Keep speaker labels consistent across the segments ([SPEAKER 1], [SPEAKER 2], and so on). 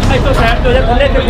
[SPEAKER 1] ਇੱਥੋਂ ਸਾਈਡ ਤੋਂ ਜਾ ਥੱਲੇ ਤੇ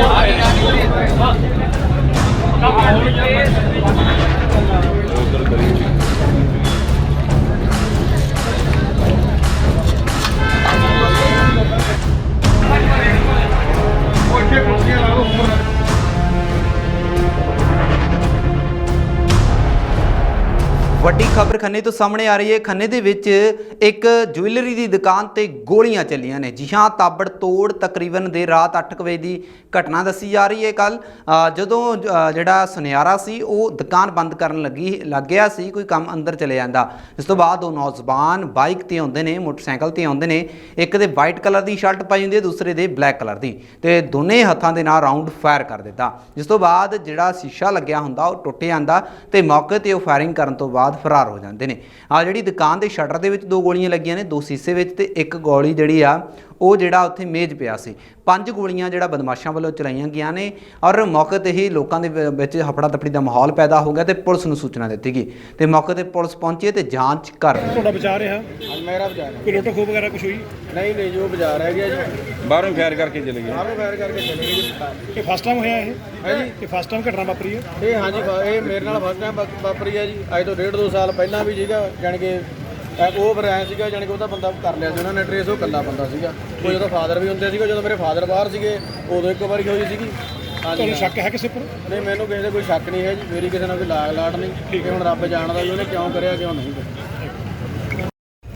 [SPEAKER 2] ਵੱਡੀ ਖਬਰ ਖੰਨੇ ਤੋਂ ਸਾਹਮਣੇ ਆ ਰਹੀ ਹੈ। ਖੰਨੇ ਦੇ ਵਿੱਚ ਇੱਕ ਜੁਐਲਰੀ ਦੀ ਦੁਕਾਨ ਤੇ ਗੋਲੀਆਂ ਚੱਲੀਆਂ ਨੇ। ਜੀ ਹਾਂ, ਤਾਬੜ ਤੋੜ ਤਕਰੀਬਨ ਦੇਰ ਰਾਤ 8 ਵਜੇ ਦੀ ਘਟਨਾ ਦੱਸੀ ਜਾ ਰਹੀ ਹੈ। ਕੱਲ ਜਦੋਂ ਜਿਹੜਾ ਸੁਨਿਆਰਾ ਸੀ ਉਹ ਦੁਕਾਨ ਬੰਦ ਕਰਨ ਲੱਗ ਗਿਆ ਸੀ, ਕੋਈ ਕੰਮ ਅੰਦਰ ਚਲੇ ਜਾਂਦਾ। ਇਸ ਤੋਂ ਬਾਅਦ ਉਹ ਨੌਜਵਾਨ ਬਾਈਕ ਤੇ ਆਉਂਦੇ ਨੇ, ਮੋਟਰਸਾਈਕਲ ਤੇ ਆਉਂਦੇ ਨੇ। ਇੱਕ ਦੇ ਵਾਈਟ ਕਲਰ ਦੀ ਸ਼ਰਟ ਪਾਈ ਹੁੰਦੀ ਹੈ, ਦੂਸਰੇ ਦੇ ਬਲੈਕ ਕਲਰ ਦੀ, ਤੇ ਦੋਨੇ ਹੱਥਾਂ ਦੇ ਨਾਲ ਰਾਉਂਡ ਫਾਇਰ ਕਰ ਦਿੱਤਾ। ਜਿਸ ਤੋਂ ਬਾਅਦ ਜਿਹੜਾ ਸ਼ੀਸ਼ਾ ਲੱਗਿਆ ਹੁੰਦਾ ਉਹ ਟੁੱਟ ਜਾਂਦਾ ਤੇ ਮੌਕੇ ਤੇ ਉਹ ਫਾਇਰਿੰਗ ਕਰਨ ਤੋਂ ਬਾਅਦ ਫਰਾਰ ਹੋ ਜਾਂਦੇ ਨੇ। ਆ ਜਿਹੜੀ ਦੁਕਾਨ ਦੇ ਸ਼ਟਰ ਦੇ ਵਿੱਚ 2 ਗੋਲੀਆਂ ਲੱਗੀਆਂ ਨੇ, 2 ਸ਼ੀਸ਼ੇ ਵਿੱਚ, ਤੇ ਇੱਕ ਗੋਲੀ ਜਿਹੜੀ ਆ ਉਹ ਜਿਹੜਾ ਉੱਥੇ ਮੇਜ਼ ਪਿਆ ਸੀ। 5 ਗੋਲੀਆਂ ਜਿਹੜਾ ਬਦਮਾਸ਼ਾਂ ਵੱਲੋਂ ਚਲਾਈਆਂ ਗਈਆਂ ਨੇ ਔਰ ਮੌਕੇ ਤੇ ਹੀ ਲੋਕਾਂ ਦੇ ਵਿੱਚ ਹਫੜਾ ਦਫੜੀ ਦਾ ਮਾਹੌਲ ਪੈਦਾ ਹੋ ਗਿਆ ਤੇ ਪੁਲਿਸ ਨੂੰ ਸੂਚਨਾ ਦਿੱਤੀ ਗਈ ਤੇ ਮੌਕੇ ਤੇ ਪੁਲਿਸ ਪਹੁੰਚੀ ਤੇ ਜਾਂਚ ਕਰ ਰਹੀ ਹੈ।
[SPEAKER 3] ਤੁਹਾਡਾ ਬਚਾ ਰਿਹਾ?
[SPEAKER 4] ਮੇਰਾ ਬਾਜ਼ਾਰ
[SPEAKER 3] ਕੋਈ ਲੁੱਟ ਖੋਹ ਵਗੈਰਾ ਕੁਝ ਹੋਈ?
[SPEAKER 4] ਨਹੀਂ ਜੋ ਬਾਜ਼ਾਰ ਹੈ ਗਿਆ ਜੀ,
[SPEAKER 5] ਬਾਹਰੋਂ ਫਾਇਰ ਕਰਕੇ ਚਲੇ ਗਏ।
[SPEAKER 4] ਬਾਹਰੋਂ ਫਾਇਰ ਕਰਕੇ ਚਲੇ ਗਏ ਜੀ।
[SPEAKER 3] ਇਹ ਫਸਟ ਟਾਈਮ ਹੋਇਆ ਇਹ?
[SPEAKER 4] ਹੈ ਜੀ,
[SPEAKER 3] ਇਹ ਫਸਟ ਟਾਈਮ ਘਟਨਾ ਵਾਪਰੀ ਹੈ?
[SPEAKER 4] ਇਹ ਹਾਂਜੀ ਇਹ ਮੇਰੇ ਨਾਲ ਫਸਟ ਟਾਈਮ ਵਾਪਰੀ ਹੈ ਜੀ। ਅੱਜ ਤੋਂ 1.5-2 ਸਾਲ ਪਹਿਲਾਂ ਵੀ ਸੀਗਾ, ਜਾਣੀ ਕਿ ਉਹ ਫਿਰ ਐਂ ਸੀਗਾ, ਜਾਣੀ ਕਿ ਉਹਦਾ ਬੰਦਾ ਕਰ ਲਿਆ ਸੀ ਉਹਨਾਂ ਨੇ ਟਰੇਸ। ਉਹ ਇਕੱਲਾ ਬੰਦਾ ਸੀਗਾ, ਕੋਈ ਉਹਦਾ ਫਾਦਰ ਵੀ ਹੁੰਦੇ ਸੀਗਾ। ਜਦੋਂ ਮੇਰੇ ਫਾਦਰ ਬਾਹਰ ਸੀਗੇ ਉਦੋਂ ਇੱਕ ਵਾਰੀ ਹੋਈ ਸੀਗੀ।
[SPEAKER 3] ਤੁਹਾਨੂੰ ਸ਼ੱਕ ਹੈ ਕਿਸੇ ਪਰ?
[SPEAKER 4] ਨਹੀਂ, ਮੈਨੂੰ ਕਿਸੇ ਦਾ ਕੋਈ ਸ਼ੱਕ ਨਹੀਂ ਹੈ ਜੀ। ਮੇਰੀ ਕਿਸੇ ਨਾਲ ਕੋਈ ਲਾਗ ਲਾਟ ਨਹੀਂ। ਠੀਕ ਹੈ, ਹੁਣ ਰੱਬ ਜਾਣਦਾ ਵੀ ਉਹਨੇ ਕਿਉਂ ਕਰਿਆ ਕਿਉਂ ਨਹੀਂ ਕਰਿਆ।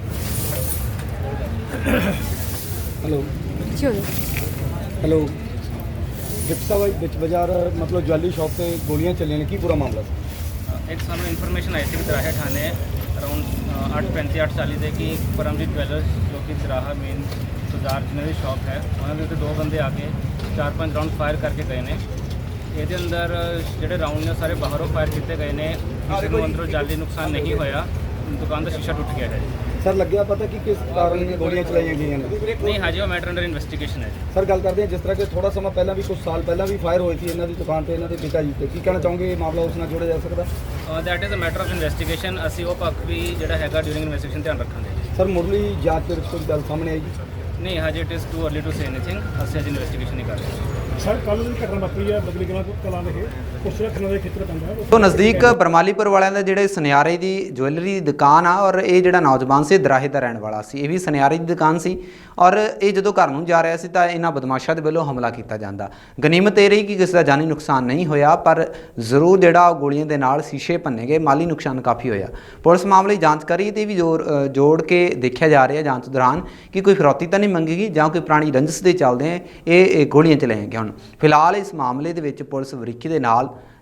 [SPEAKER 6] ਹੈਲੋ ਹੈਲੋ ਜਿਪਸਾ ਵਿੱਚ ਬਾਜ਼ਾਰ ਮਤਲਬ ਜਵੈਲਰੀ ਸ਼ਾਪ ਤੇ ਗੋਲੀਆਂ ਚੱਲੀਆਂ ਨੇ, ਕੀ ਪੂਰਾ ਮਾਮਲਾ ਸੀ?
[SPEAKER 7] एक सानू इन्फॉर्मेशन आई थी दराहा थाने अराउंड 8:35 8:40 ਦੇ ਕਿ ਪਰਮਜੀਤ ਜਵੈਲਰਸ ਜੋ ਕਿ ਦਰਾਹਾ ਮੇਨ ਸੁਜ਼ਾਰ ਜਨਰਲ ਸ਼ਾਪ ਹੈ, ਉਹਨਾਂ ਦੇ ਉੱਤੇ 2 ਬੰਦੇ ਆ ਕੇ 4-5 ਰਾਊਂਡ ਫਾਇਰ ਕਰਕੇ ਗਏ ਨੇ। ਇਹਦੇ ਅੰਦਰ ਜਿਹੜੇ ਰਾਊਂਡ ਨੇ ਸਾਰੇ ਬਾਹਰੋਂ ਫਾਇਰ ਕੀਤੇ ਗਏ ਨੇ। ਕਿਸੇ ਨੂੰ ਅੰਦਰੋਂ ਜਾਨੀ ਨੁਕਸਾਨ ਨਹੀਂ ਹੋਇਆ। ਦੁਕਾਨ ਦਾ ਸ਼ੀਸ਼ਾ ਟੁੱਟ ਗਿਆ ਹੈ।
[SPEAKER 6] ਸਰ ਲੱਗਿਆ ਪਤਾ ਕਿ ਕਿਸ ਕਾਰਨ ਇਹ ਗੋਲੀਆਂ ਚਲਾਈਆਂ ਗਈਆਂ ਨੇ?
[SPEAKER 7] ਨਹੀਂ, ਹਜੇ ਉਹ ਮੈਟਰ ਅੰਡਰ ਇਨਵੈਸਟੀਗੇਸ਼ਨ ਹੈ।
[SPEAKER 6] ਸਰ ਗੱਲ ਕਰਦੇ ਹਾਂ ਜਿਸ ਤਰ੍ਹਾਂ ਕਿ ਥੋੜਾ ਸਮਾਂ ਪਹਿਲਾਂ ਵੀ ਕੁਝ ਸਾਲ ਪਹਿਲਾਂ ਵੀ ਫਾਇਰ ਹੋਈ ਸੀ ਇਹਨਾਂ ਦੀ ਦੁਕਾਨ ਤੇ, ਇਹਨਾਂ ਦੇ ਪਿਤਾ ਜੀ ਤੇ, ਕੀ ਕਹਿਣਾ ਚਾਹੋਗੇ ਇਹ ਮਾਮਲਾ ਉਸ ਨਾਲ ਜੋੜਿਆ ਜਾ ਸਕਦਾ?
[SPEAKER 7] That is a matter of investigation. ਅਸੀਂ ਉਹ ਪੱਖ ਵੀ ਜਿਹੜਾ ਹੈਗਾ ਡਿਊਰਿੰਗ ਇਨਵੈਸਟੀਗੇਸ਼ਨ ਧਿਆਨ ਰੱਖਾਂਗੇ।
[SPEAKER 6] ਸਰ ਮੁੱਢਲੀ ਜਾਂਚ ਦੇ ਵਿੱਚ ਕੋਈ ਗੱਲ ਸਾਹਮਣੇ ਆਈ ਜੀ?
[SPEAKER 7] ਨਹੀਂ, ਹਜੇ it is too early to say anything. ਅਸੀਂ ਅਜੇ ਇਨਵੈਸਟੀਗੇਸ਼ਨ ਨਹੀਂ ਕਰ ਰਹੇ।
[SPEAKER 3] ਸਰ ਕੱਲ੍ਹ ਦੀ ਘਟਨਾ ਵਾਪਰੀ ਹੈ ਬਦਲੀ ਕਲਾਂ ਦੇ ਉਸ ਰੱਖਣ ਦੇ ਖੇਤਰ ਪੈਂਦਾ
[SPEAKER 2] ਤੋਂ ਨਜ਼ਦੀਕ ਬਰਮਾਲੀਪੁਰ ਵਾਲਿਆਂ ਦਾ ਜਿਹੜੇ ਸੁਨਿਆਰੇ ਦੀ ਜੁਐਲਰੀ ਦੀ ਦੁਕਾਨ ਆ ਔਰ ਇਹ ਜਿਹੜਾ ਨੌਜਵਾਨ ਸੀ ਦਰਾਹੇ ਦਾ ਰਹਿਣ ਵਾਲਾ ਸੀ। ਇਹ ਵੀ ਸੁਨਿਆਰੇ ਦੀ ਦੁਕਾਨ ਸੀ ਔਰ ਇਹ ਜਦੋਂ ਘਰ ਨੂੰ ਜਾ ਰਿਹਾ ਸੀ ਤਾਂ ਇਹਨਾਂ ਬਦਮਾਸ਼ਾਂ ਦੇ ਵੱਲੋਂ ਹਮਲਾ ਕੀਤਾ ਜਾਂਦਾ। ਗਨੀਮਤ ਇਹ ਰਹੀ ਕਿ ਕਿਸੇ ਦਾ ਜਾਨੀ ਨੁਕਸਾਨ ਨਹੀਂ ਹੋਇਆ, ਪਰ ਜ਼ਰੂਰ ਜਿਹੜਾ ਗੋਲੀਆਂ ਦੇ ਨਾਲ ਸ਼ੀਸ਼ੇ ਭੰਨੇ ਗਏ, ਮਾਲੀ ਨੁਕਸਾਨ ਕਾਫੀ ਹੋਇਆ। ਪੁਲਿਸ ਮਾਮਲੇ ਦੀ ਜਾਂਚ ਕਰੀ ਤੇ ਵੀ ਜੋੜ ਕੇ ਦੇਖਿਆ ਜਾ ਰਿਹਾ ਜਾਂਚ ਦੌਰਾਨ ਕਿ ਕੋਈ ਫਿਰੌਤੀ ਤਾਂ ਨਹੀਂ ਮੰਗੇਗੀ ਜਾਂ ਕੋਈ ਪੁਰਾਣੀ ਰੰਜਿਸ਼ ਦੇ ਚੱਲਦੇ ਇਹ ਗੋਲੀਆਂ ਚਲਾਈਆਂ ਗਈਆਂ। ਹੁਣ ਫਿਲਹਾਲ ਇਸ ਮਾਮਲੇ ਦੇ ਵਿੱਚ ਪੁਲਿਸ ਬਰੀਕੀ ਦੇ ਨਾਲ